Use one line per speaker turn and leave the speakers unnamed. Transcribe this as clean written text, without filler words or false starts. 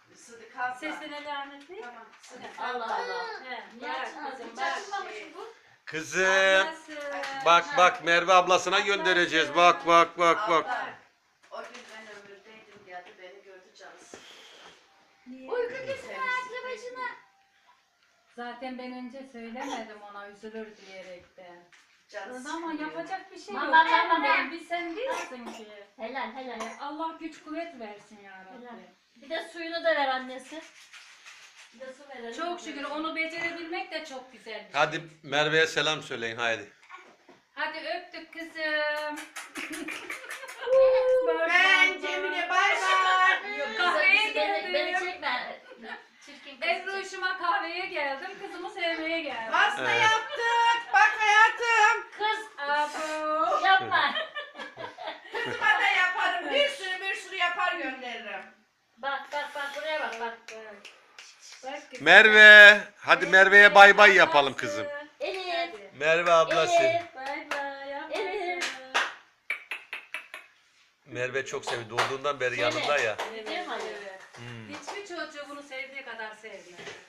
Sıdık abla.
Sesine lanet değil.
Tamam. Sıdık
Allah
abla.
Allah.
He,
Niye
bak
açmadın?
kızım,
Hiç
bak.
açılmamış bu.
Kızım.
Ablası.
Bak Merve ablasına göndereceğiz. Bak.
Abla, o gün ben ömürdeydim geldi beni gördü canısı.
Uyku kesme aklı başına.
Zaten ben önce söylemedim ona üzülür diyerekten.
Canısı
Ama
sıkılıyor.
yapacak bir şey yok.
Mama,
Canım
mama.
benim, biz sen değilsin ki.
Helal helal.
Allah güç kuvvet versin ya
Helal.
Rabbi.
Bir de suyunu da ver annesi. Bir de su verelim.
Çok şükür onu becerebilmek de çok güzel bir şey.
Hadi Merve'ye selam söyleyin haydi.
Hadi öptük kızım.
Ben Cemile bay bay.
Yok,
Kahveye
kızım, beni
geldim.
çekme. Çirkin kız.
Ebru'şuma kahveye geldim. Kızımı sevmeye geldim.
Pasta
Evet.
yaptık. Bak hayatım.
Kız
Abo.
yapma.
Kızıma da yaparım. Bir sürü yapar gönderirim.
Bak buraya bak.
Bak kızım.
Merve. Hadi Merve'ye bay bay yapalım kızım.
Elif.
Merve ablası.
Elif.
Bay bay.
Elif.
Merve çok seviyor. Doğduğundan beri yanında ya.
Değil mi Ali?
Evet.
Hmm.
Hiçbir çocuğu bunu sevdiği kadar sevmiyor.